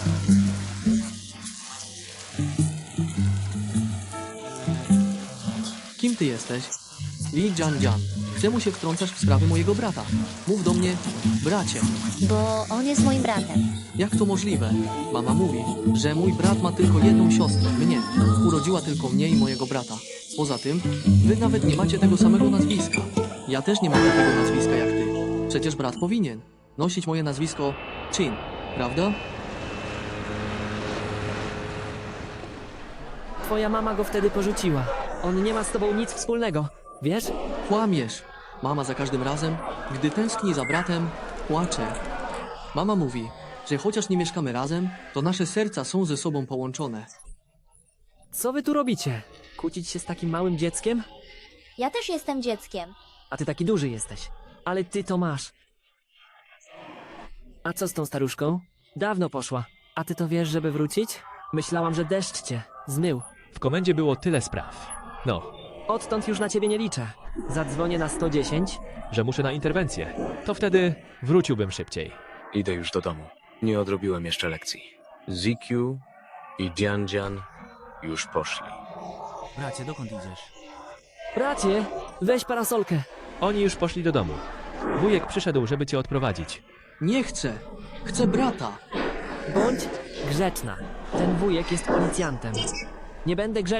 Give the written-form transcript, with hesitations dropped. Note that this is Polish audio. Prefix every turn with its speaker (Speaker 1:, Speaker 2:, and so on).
Speaker 1: Kim ty jesteś? Li Jian. Czemu się wtrącasz w sprawy mojego brata? Mów do mnie, bracie.
Speaker 2: Bo on jest moim bratem.
Speaker 1: Jak to możliwe? Mama mówi, że mój brat ma tylko jedną siostrę, mnie. Urodziła tylko mnie i mojego brata. Poza tym, wy nawet nie macie tego samego nazwiska. Ja też nie mam takiego nazwiska jak ty. Przecież brat powinien nosić moje nazwisko Chin, prawda?
Speaker 3: Twoja mama go wtedy porzuciła. On nie ma z tobą nic wspólnego, wiesz?
Speaker 1: Kłamiesz. Mama za każdym razem, gdy tęskni za bratem, płacze. Mama mówi, że chociaż nie mieszkamy razem, to nasze serca są ze sobą połączone.
Speaker 3: Co wy tu robicie? Kłócić się z takim małym dzieckiem?
Speaker 2: Ja też jestem dzieckiem.
Speaker 3: A ty taki duży jesteś. Ale ty to masz. A co z tą staruszką? Dawno poszła. A ty to wiesz, żeby wrócić? Myślałam, że deszcz cię zmył.
Speaker 4: W komendzie było tyle spraw. No,
Speaker 3: Odtąd już na ciebie nie liczę. Zadzwonię na 110.
Speaker 4: że muszę na interwencję. To wtedy wróciłbym szybciej.
Speaker 5: Idę już do domu. Nie odrobiłem jeszcze lekcji. ZQ i Jian już poszli.
Speaker 6: Bracie, dokąd idziesz?
Speaker 3: Bracie, weź parasolkę.
Speaker 4: Oni już poszli do domu. Wujek przyszedł, żeby cię odprowadzić.
Speaker 1: Nie chcę. Chcę brata.
Speaker 3: Bądź grzeczna. Ten wujek jest policjantem. Nie będę grzeczny.